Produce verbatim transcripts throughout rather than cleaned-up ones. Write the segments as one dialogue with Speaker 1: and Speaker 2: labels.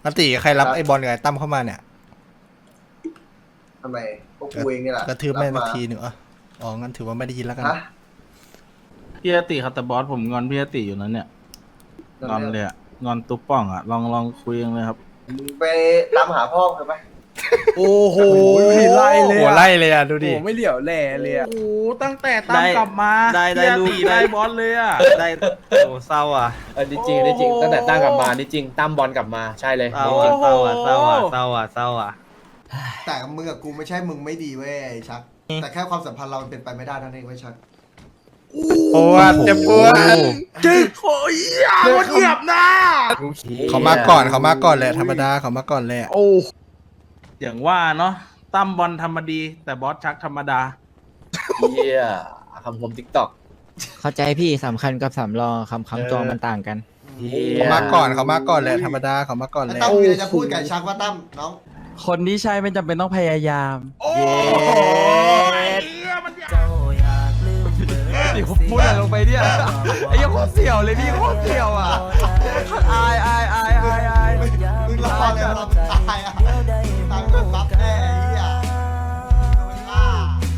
Speaker 1: นัตติใครรับไอ้บอลกับไอ้ตั้มเข้ามาเนี่ย
Speaker 2: ทำไมพวกกูเองนี่แหละ
Speaker 1: กระทืบแม่นาทีหนึ่งอ่ะอ๋องั้นถือว่าไม่ได้ยินแล้วกัน
Speaker 2: ฮะ
Speaker 3: พี่อติครับแต่บอสผมงอนพี่อติอยู่นั้นเนี่ยงอนเลยอะงอนตุ๊บป่องอะลองลองคุยกันเลยครับ
Speaker 2: มึงไปตามหาพ่อเถอะไป
Speaker 4: โอ้โห
Speaker 1: ไล่เลยโอ้ไล่เลยอ่ะดูดิ
Speaker 4: โอ้ไม่เหลียวแหล่เลยอ่ะ
Speaker 3: โอ้ตั้งแต่ตามกลับมา
Speaker 5: ได้ได้
Speaker 3: พี่อ
Speaker 5: ลู
Speaker 3: ติ
Speaker 5: กได้
Speaker 3: ได้บอสเลยอะ
Speaker 5: ได้โอ้เศร้าอ่ะ
Speaker 6: เออจริงๆจริงตั้งแต่ตั้งกลับมานี่จริงตั้มบอลกลับมาใช่เลย
Speaker 5: เศร้าอ่ะเศร้าอ่ะเศร้าอ่ะเศร้าอ่ะเศร้าอ่ะ
Speaker 2: แต่มึงกับกูไม่ใช่มึงไม่ดีเว้ยไอ้ชัก แต่แค่ความสัมพันธ์เรามันเป็นไปไม่ได้นั่นเองเว้ยชัก
Speaker 1: ปวดเจ็บปวด
Speaker 3: จริงโอ้ยอ่ะมันเหยียบนะ
Speaker 1: เขามาก่อนเขามาก่อนแหละธรรมดาเขามาก่อนแหละ
Speaker 4: โอ้
Speaker 3: อย่างว่าเนาะตั้มบอลธรรมดี แต่บอสชักธรรมดา
Speaker 6: เฮียคำคมทิกตอก
Speaker 7: เข้าใจพี่สำคัญกับสำรองคำคำตัวมันต่างกัน
Speaker 1: เขามาก่อนเขามาก่อนแหละธรรมดาเขามาก่อน
Speaker 2: ไอ้
Speaker 1: แหละ
Speaker 2: ตั้มมีอะไรจะพูดกับไอ้ชักว่าตั้มน้อง
Speaker 7: คนที่ใช่ไม่จำเป็นต้องพยายาม
Speaker 3: โอ้ยเหี้ยมันอยาก
Speaker 4: นี่ผมพูดอะไรลงไปเนี่ยไอ้ยังโคตรเสี่ยวเลยพี่โคตรเสี่ยวอ่ะอายอายอายอายอาย
Speaker 2: มึงรอเลยเราตายอ่ะตายโดนบัฟแน่ไอ้เหี้ยโดนฆ่า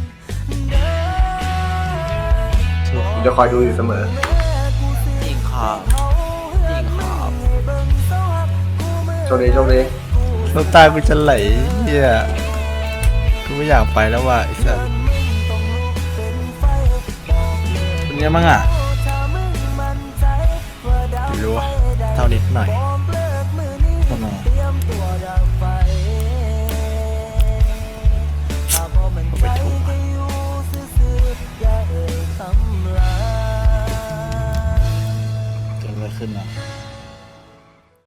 Speaker 2: ผมจะคอยดูอยู่เสมอ
Speaker 5: จริงครับจริงครับ
Speaker 2: โชคดีโชคดี
Speaker 1: น้ำตากูจะไหลเฮียกูไม่อยากไปแล้วว่ะไอ้สัส
Speaker 3: เป็นไงบ้างอ่ะ
Speaker 1: ไม่รู้ว่าเท่านิดหน่อย
Speaker 3: ทำไม
Speaker 1: ไปถูก
Speaker 3: เกิดอะไรขึ้นอ่ะ